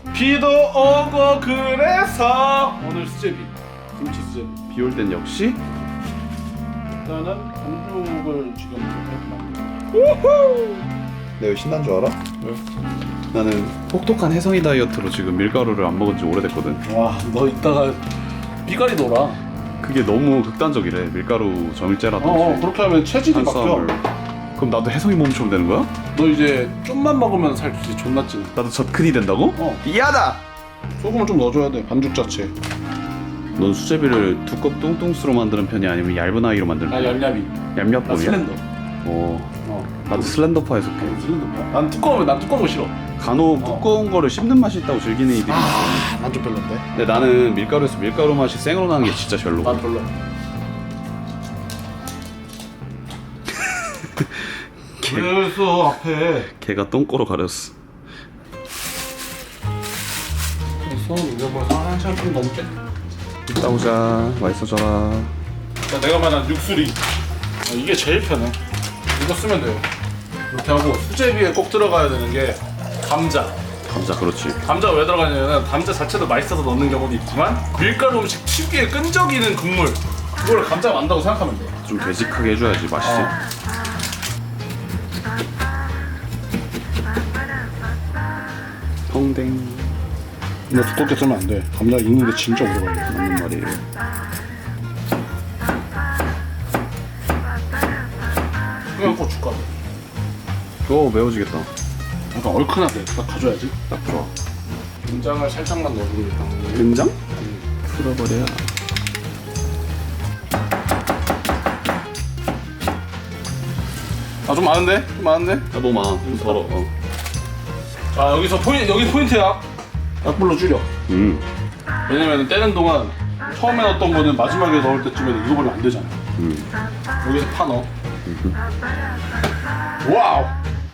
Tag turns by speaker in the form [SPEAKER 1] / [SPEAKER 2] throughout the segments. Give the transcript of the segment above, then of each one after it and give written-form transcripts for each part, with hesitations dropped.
[SPEAKER 1] 비도 오고 그래서 오늘 수제비 김치 수제비.
[SPEAKER 2] 비 올 땐 역시
[SPEAKER 1] 일단은 반죽을 지금 이렇게
[SPEAKER 2] 우후! 내가 왜 신난 줄 알아?
[SPEAKER 1] 왜?
[SPEAKER 2] 나는 혹독한 혜성이 다이어트로 지금 밀가루를 안 먹은 지 오래됐거든.
[SPEAKER 1] 와, 너 이따가 삐가리 돌아.
[SPEAKER 2] 그게 너무 극단적이래. 밀가루 점일제라든지
[SPEAKER 1] 그렇게 하면 체질이 바뀌어.
[SPEAKER 2] 그럼 나도 혜성이 몸처럼 되는 거야?
[SPEAKER 1] 너 이제 좀만 먹으면 살 진짜 존나 찌네.
[SPEAKER 2] 나도 젖큰이 된다고? 이하다!
[SPEAKER 1] 소금을 좀 넣어줘야 돼, 반죽 자체.
[SPEAKER 2] 넌 수제비를 두껍 뚱뚱스로 만드는 편이 아니면 얇은 아이로 만드는
[SPEAKER 1] 나
[SPEAKER 2] 편이야?
[SPEAKER 1] 얄얄이. 나
[SPEAKER 2] 얌얌법이야?
[SPEAKER 1] 슬렌더.
[SPEAKER 2] 나도 슬렌더파에 속해.
[SPEAKER 1] 슬렌더. 난 두꺼우면 난 두꺼운 거 싫어.
[SPEAKER 2] 간혹 두꺼운 거를 씹는 맛이 있다고 즐기는 이들이 있어.
[SPEAKER 1] 난 좀 별론데.
[SPEAKER 2] 근데 나는 밀가루에서 밀가루 맛이 생으로 나는 게 진짜 별로.
[SPEAKER 1] 난 별로. 그래서 앞에
[SPEAKER 2] 걔가 똥꼬로 가렸어.
[SPEAKER 1] 그래서 이거 뭐 한참 좀 넘게.
[SPEAKER 2] 이따 오자. 맛있어져라.
[SPEAKER 1] 내가 말한 육수리. 이게 제일 편해. 이거 쓰면 돼요. 이렇게 하고 수제비에 꼭 들어가야 되는 게 감자.
[SPEAKER 2] 감자 그렇지.
[SPEAKER 1] 감자가 왜 들어가냐면 감자 자체도 맛있어서 넣는 경우도 있지만 밀가루 음식 특유의 끈적이는 국물 그걸 감자가 만다고 생각하면 돼.
[SPEAKER 2] 좀 되직하게 해줘야지 맛있지. 펑댕.
[SPEAKER 1] 근데 두껍게 쓰면 안 돼. 감자 익는데 진짜 오래 걸려.
[SPEAKER 2] 맞는 말이에요.
[SPEAKER 1] 그냥 고춧가루.
[SPEAKER 2] 매워지겠다.
[SPEAKER 1] 약간 얼큰하게 딱 가져야지.
[SPEAKER 2] 딱 좋아.
[SPEAKER 1] 된장을 살짝만 넣어주니까.
[SPEAKER 2] 된장? 풀어버려.
[SPEAKER 1] 아 좀 많은데? 좀 많은데?
[SPEAKER 2] 너무 많아. 좀 덜어.
[SPEAKER 1] 자 여기 포인트야. 약불로 줄여. 왜냐면 떼는 동안 처음에 넣었던 거는 마지막에 넣을 때쯤에는 익어버리면 안 되잖아. 여기서 파 넣어. 와우.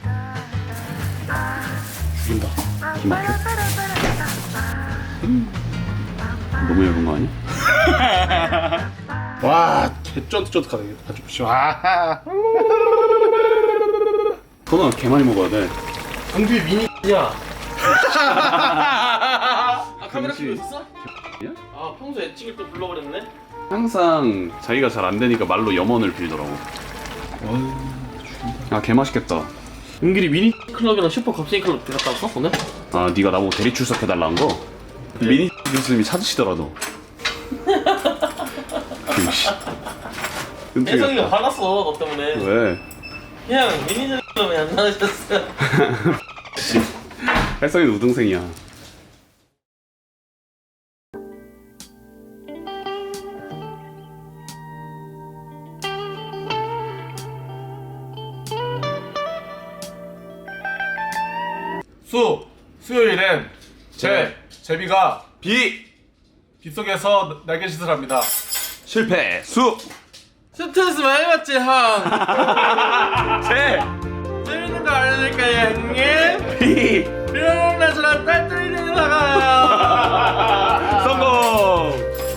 [SPEAKER 1] 죽인다.
[SPEAKER 2] 기막혀. 너무 얇은 거 아니야?
[SPEAKER 1] 와, 개 쫀득쫀득하다 이게. 아주 와.
[SPEAKER 2] 토너 개 많이 먹어야 돼.
[SPEAKER 3] 강규 미니야. 카메라
[SPEAKER 2] 금시.
[SPEAKER 3] 켜고 있었어?
[SPEAKER 2] 야?
[SPEAKER 3] 아 평소에 찍을 때 불러버렸네.
[SPEAKER 2] 항상 자기가 잘 안 되니까 말로 염원을 빌더라고. 개 맛있겠다.
[SPEAKER 3] 은길이 미니 클럽이랑 슈퍼 겁쟁이 클럽 갔다 왔어 오늘?
[SPEAKER 2] 네가 나보고 대리 출석해달라는 거? 미니 교수님이 찾으시더라도.
[SPEAKER 3] 혜성이가 화났어 너 때문에.
[SPEAKER 2] 왜?
[SPEAKER 3] 그냥 미니는 왜안 나오셨어요?
[SPEAKER 2] 혜성이도 우등생이야.
[SPEAKER 1] 수요일엔 제비가 빗속에서 날개짓을 합니다.
[SPEAKER 2] 실패!
[SPEAKER 3] 스트레스 많이 받지 형.
[SPEAKER 2] 제!
[SPEAKER 3] 재밌는 거 알려줄까요 형님?
[SPEAKER 2] 비!
[SPEAKER 3] 이런 날처럼 딸딸이는 나가요.
[SPEAKER 2] 성공!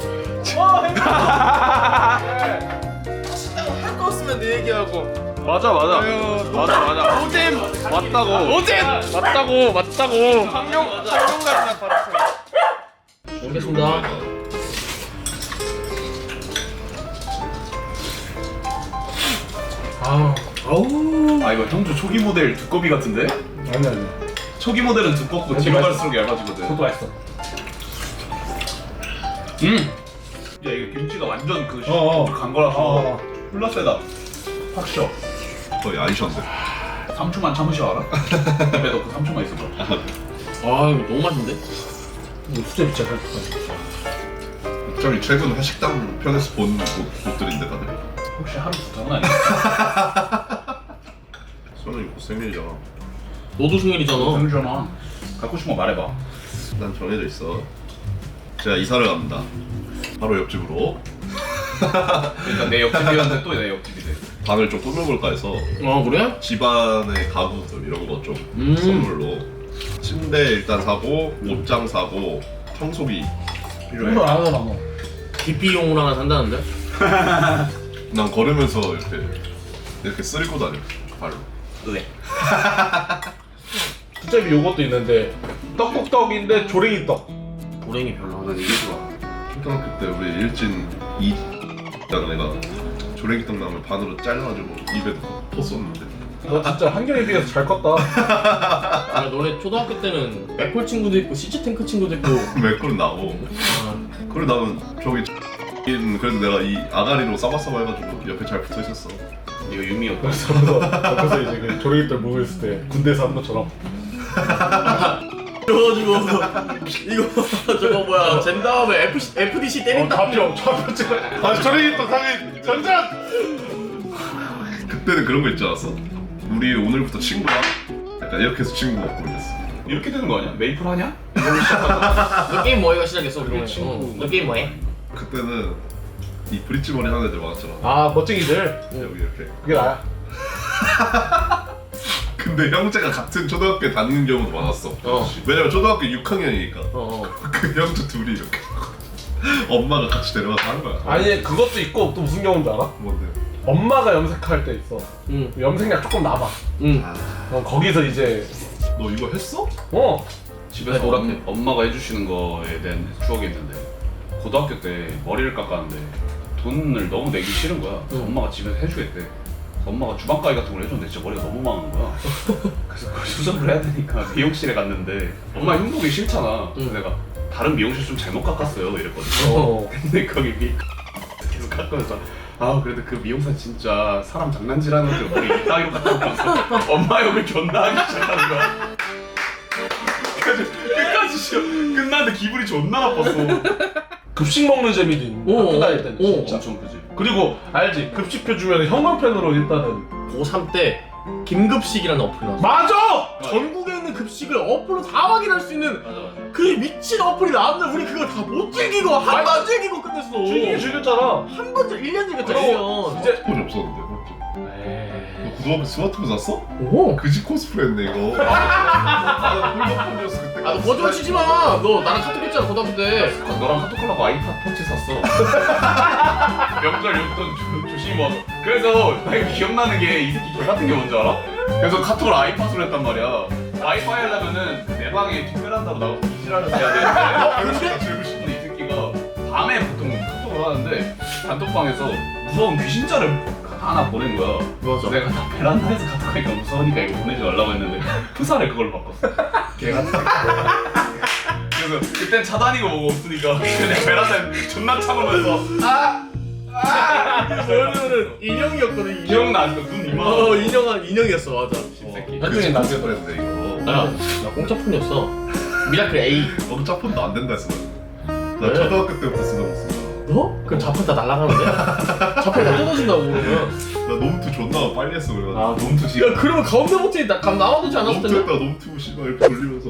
[SPEAKER 3] 하신다고 할 거 없으면 내 얘기하고.
[SPEAKER 2] 맞아.
[SPEAKER 3] 오잼!
[SPEAKER 2] 맞다고.
[SPEAKER 3] 오잼!
[SPEAKER 2] 맞다고.
[SPEAKER 3] 강용 같은 받았어. 먹겠습니다.
[SPEAKER 2] 이거 형주 초기 모델 두꺼비 같은데?
[SPEAKER 1] 아니.
[SPEAKER 2] 초기 모델은 두껍고 뒤로 갈수록 얇아지거든.
[SPEAKER 1] 그것도 맛있어.
[SPEAKER 2] 야 이거 김치가 완전 간
[SPEAKER 1] 어.
[SPEAKER 2] 거라서 훌라 세다. 확 쉬어.
[SPEAKER 4] 거의 아이션데.
[SPEAKER 2] 3초만 참으셔 알아? 입에 넣고 3초만 있어봐.
[SPEAKER 3] 아 이거 너무 맛있는데?
[SPEAKER 1] 이거 수제 진짜 잘
[SPEAKER 4] 저희 최근 회식당 편에서 본 곳들인데 다들.
[SPEAKER 2] 혹시 하루 부탁은 아니야?
[SPEAKER 4] 저는 이거 생일이잖아.
[SPEAKER 3] 너도 생일이잖아.
[SPEAKER 2] 형주잖아. 갖고 싶은 거 말해봐.
[SPEAKER 4] 난 정해져 있어. 제가 이사를 갑니다. 바로 옆집으로
[SPEAKER 2] 일단 내 옆집이었는데 또 내 옆집이네.
[SPEAKER 4] 방을 좀 꾸며볼까 해서
[SPEAKER 3] 아 그래?
[SPEAKER 4] 집안의 가구들 이런 거 좀 선물로 침대 일단 사고 옷장 사고 청소기 필요해.
[SPEAKER 1] 이거 안 하잖아 너.
[SPEAKER 3] DP용으로 하나 산다는데?
[SPEAKER 4] 난 걸으면서 이렇게 쓸고 다녀 발로.
[SPEAKER 2] 왜?
[SPEAKER 1] 수제비 요것도 있는데 떡국떡인데 조랭이 떡.
[SPEAKER 3] 고랭이 별로.
[SPEAKER 2] 난 이게 좋아.
[SPEAKER 4] 초등학교 때 우리 일진 이라는 애가 조랭이떡 나물 반으로 잘라가지고 입에 퍼었는데
[SPEAKER 1] 너 진짜 한결에 비해서 잘 컸다.
[SPEAKER 3] 아 너네 초등학교 때는 맥콜 친구도 있고 시즈탱크 친구도 있고.
[SPEAKER 4] 맥콜은 나고 그래 나는 저기 그래도 내가 이 아가리로 싸바싸바 해가지고 옆에 잘 붙어 있었어.
[SPEAKER 2] 이거 유미였다.
[SPEAKER 1] 옆에서 이제 그 조랭이 떡 먹고 있을 때 군대에서 한 것처럼.
[SPEAKER 3] 그래가지고 이거 저거 뭐야 젠 다음에 FDC 때린다.
[SPEAKER 1] 좌표 찍어. 아 조랭이 떡 당연히 전전.
[SPEAKER 4] 그때는 그런 거 있지 않았어? 우리 오늘부터 친구야. 약간 이렇게 해서 친구 먹고 이랬어.
[SPEAKER 2] 이렇게 되는 거 아니야? 메이플 하냐?
[SPEAKER 3] 너 게임 뭐해가 시작했어 그러면?
[SPEAKER 2] 친구.
[SPEAKER 3] 너 게임 뭐해?
[SPEAKER 4] 그때는 이 브릿지 머리 하는 애들 많았잖아.
[SPEAKER 1] 아 멋쟁이들.
[SPEAKER 4] 여기 이렇게.
[SPEAKER 1] 그게 나야.
[SPEAKER 4] 근데 형제가 같은 초등학교에 다니는 경우도 많았어. 왜냐면 초등학교 6학년이니까. 그 형제 둘이 이렇게 엄마가 같이 데려가서 하는 거야.
[SPEAKER 1] 아니 그것도 있고 또 무슨 경우인 줄 알아?
[SPEAKER 4] 뭔데?
[SPEAKER 1] 엄마가 염색할 때 있어.
[SPEAKER 3] 응.
[SPEAKER 1] 염색약 조금 남아.
[SPEAKER 3] 응.
[SPEAKER 1] 그럼 거기서 이제
[SPEAKER 4] 너 이거 했어?
[SPEAKER 2] 집에서
[SPEAKER 3] 네, 노랗게.
[SPEAKER 2] 엄마가 해주시는 거에 대한 추억이 있는데 고등학교 때 머리를 깎았는데 돈을 너무 내기 싫은 거야. 엄마가 집에서 해주겠대. 엄마가 주방가위 같은 걸 해줬는데 진짜 머리가 너무 망한 거야. 그래서 그걸 수정을 해야 되니까 미용실에 갔는데 엄마 흉보기 싫잖아. 그래서 내가 다른 미용실 좀 잘못 깎았어요 이랬거든. 근데 거기 계속 깎으면서 아 그래도 그 미용사 진짜 사람 장난질하는 그 머리 이따위로 깎아놓고서 엄마 욕을 존나 하기 시작하는 거야. 그래가지고 끝까지 싫어. 끝났는데 기분이 존나 나빴어.
[SPEAKER 1] 급식 먹는 재미도 있는
[SPEAKER 3] 오,
[SPEAKER 1] 학교 다닐 때는
[SPEAKER 3] 오,
[SPEAKER 1] 진짜.
[SPEAKER 2] 엄청 크지.
[SPEAKER 1] 그리고 알지? 급식표 주면 형광펜으로 일단은
[SPEAKER 3] 고3 때 김급식이라는 어플이 나왔어.
[SPEAKER 1] 맞아!
[SPEAKER 3] 전국에 있는 급식을 어플로 다 확인할 수 있는
[SPEAKER 2] 맞아 맞아.
[SPEAKER 3] 그 미친 어플이 나왔는데 우리 그걸 다 못 즐기고 한 번 즐기고 끝냈어.
[SPEAKER 1] 즐기긴 즐겼잖아.
[SPEAKER 3] 한 번, 1년 즐겼잖아.
[SPEAKER 1] 그럼
[SPEAKER 3] 1년.
[SPEAKER 1] 이제
[SPEAKER 4] 스마트폰이 없었는데 그렇죠?
[SPEAKER 1] 에이.
[SPEAKER 4] 너 고등학교 스마트폰 샀어?
[SPEAKER 3] 오.
[SPEAKER 4] 그지 코스프레 했네 이거. 나는 폴더폰이었어 그때.
[SPEAKER 3] 아, 너 거짓말 치지 마. 너 나랑 카톡 했잖아 고등학교 때.
[SPEAKER 2] 너랑 카톡하려고 아이팟 터치 샀어. 명절 용돈 조심히 모아서. 그래서 나 이거 기억나는 게 이 새끼 개 같은 게 뭔지 알아? 그래서 카톡을 아이팟으로 했단 말이야. 와이파이 하려면은 내 방에 뒷베란다로 나가서 이지랄을 해야 되는데 근데 이 새끼가 밤에 보통 카톡을 하는데 단톡방에서 무서운 귀신자를 하나 보낸 거야.
[SPEAKER 3] 맞아.
[SPEAKER 2] 내가 다 베란다에서 카톡하니까 무서우니까 이거 보내지 말라고 했는데 프사를 그걸로 바꿨어. 개 같은 거. 그래서 그땐 차 다니고 뭐고 없으니까 그냥 베란다에 존나 참으면서
[SPEAKER 3] 너는 인형이었거든.
[SPEAKER 2] 기억나 아직도 눈 이만.
[SPEAKER 3] 인형이었어 맞아.
[SPEAKER 2] 새끼.
[SPEAKER 4] 그지 코스프레 했네 이거.
[SPEAKER 3] 야, 나 공짜폰이었어. 미라클 A.
[SPEAKER 4] 공짜폰도 안 된다 했어. 나
[SPEAKER 3] 왜?
[SPEAKER 4] 초등학교 때부터 쓰던 거 쓰다.
[SPEAKER 3] 너? 그럼 자판 다 날아가는데? 자판 다 뜯어진다고 그러면.
[SPEAKER 4] 나 놈투 존나 빨리 했어 그래가지고.
[SPEAKER 2] 아 놈투 지금.
[SPEAKER 3] 야 그러면 가운데 버튼이 감 나와두지 않았을
[SPEAKER 4] 놈투
[SPEAKER 3] 텐데?
[SPEAKER 4] 했다가 놈투 씨발 이렇게 돌리면서.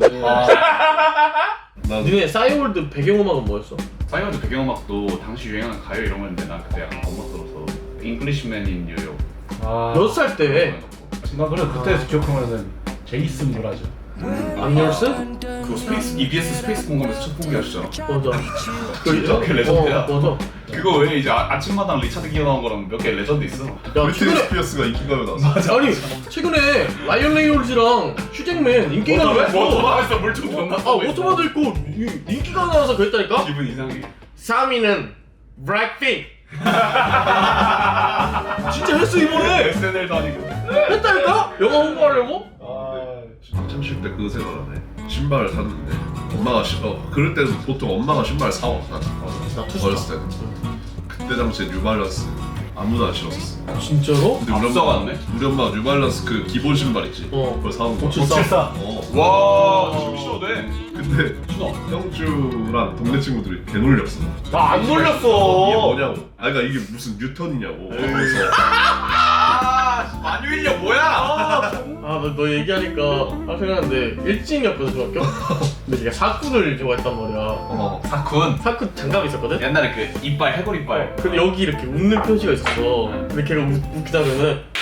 [SPEAKER 4] 난
[SPEAKER 3] 니네 싸이월드 배경음악은 뭐였어?
[SPEAKER 2] 사이언즈 배경음악도 당시 유행하는 가요 이런 거였는데 난 그때 약간 겁먹 들어서 잉글리시맨 인 뉴욕.
[SPEAKER 3] 몇 살 때?
[SPEAKER 1] 나 그래 그때에서 기억하면은 제이슨 브라즈.
[SPEAKER 3] 암열스?
[SPEAKER 2] 그 스페이스 EBS 스페이스 공감에서 첫 보기 하시잖아.
[SPEAKER 3] 맞아.
[SPEAKER 2] 진짜 그 레전드야.
[SPEAKER 3] 맞아.
[SPEAKER 2] 그거 외에 이제 아침마당 리차드 기어 나온 거랑 몇 개 레전드 있어.
[SPEAKER 3] 야
[SPEAKER 4] 브리트니
[SPEAKER 3] 최근에
[SPEAKER 4] 스피어스가 인기가요 나왔어.
[SPEAKER 3] 아니 최근에 라이언 레이놀즈랑 휴잭맨 인기가 나왔어.
[SPEAKER 2] 오토바이에서 물총 존나
[SPEAKER 3] 아 오토바도 있고 인기가 나와서 그랬다니까?
[SPEAKER 2] 기분 이상해.
[SPEAKER 3] 3위는 블랙핑크. 진짜 했어 이번에.
[SPEAKER 2] SNL도 아니고.
[SPEAKER 3] 했다니까? 영화 홍보하려고?
[SPEAKER 4] 학창 시절 때 그거 생각나네. 신발을 샀는데 엄마가 그럴 때는 보통 엄마가 신발 사와.
[SPEAKER 3] 나 투수.
[SPEAKER 4] 어렸을 때는. 그때 당시에 뉴발란스 아무도 안 신었었어.
[SPEAKER 3] 진짜로?
[SPEAKER 4] 근데 우리
[SPEAKER 2] 앞서갔네?
[SPEAKER 4] 우리 엄마 뉴발란스 그 기본 신발 있지.
[SPEAKER 3] 어.
[SPEAKER 4] 그걸 사온 거야.
[SPEAKER 1] 574.
[SPEAKER 2] 와 지금 신어도 돼.
[SPEAKER 4] 근데
[SPEAKER 2] 신어.
[SPEAKER 4] 형주랑 동네 친구들이 개 놀렸어.
[SPEAKER 1] 나 안
[SPEAKER 4] 이게
[SPEAKER 1] 놀렸어.
[SPEAKER 4] 뭐냐고. 아 그러니까 이게 무슨 뉴턴이냐고. 그래서
[SPEAKER 2] 만유인력 뭐야?
[SPEAKER 3] 아너 얘기하니까 생각났는데 일진이었거든 중학교? 근데 걔가 사쿠를 좋아했단 말이야.
[SPEAKER 2] 사쿤.
[SPEAKER 3] 사쿠 장갑이 있었거든?
[SPEAKER 2] 옛날에 그 이빨 해골 이빨.
[SPEAKER 3] 근데 여기 이렇게 웃는 표시가 있었어. 근데 걔가 웃기다면은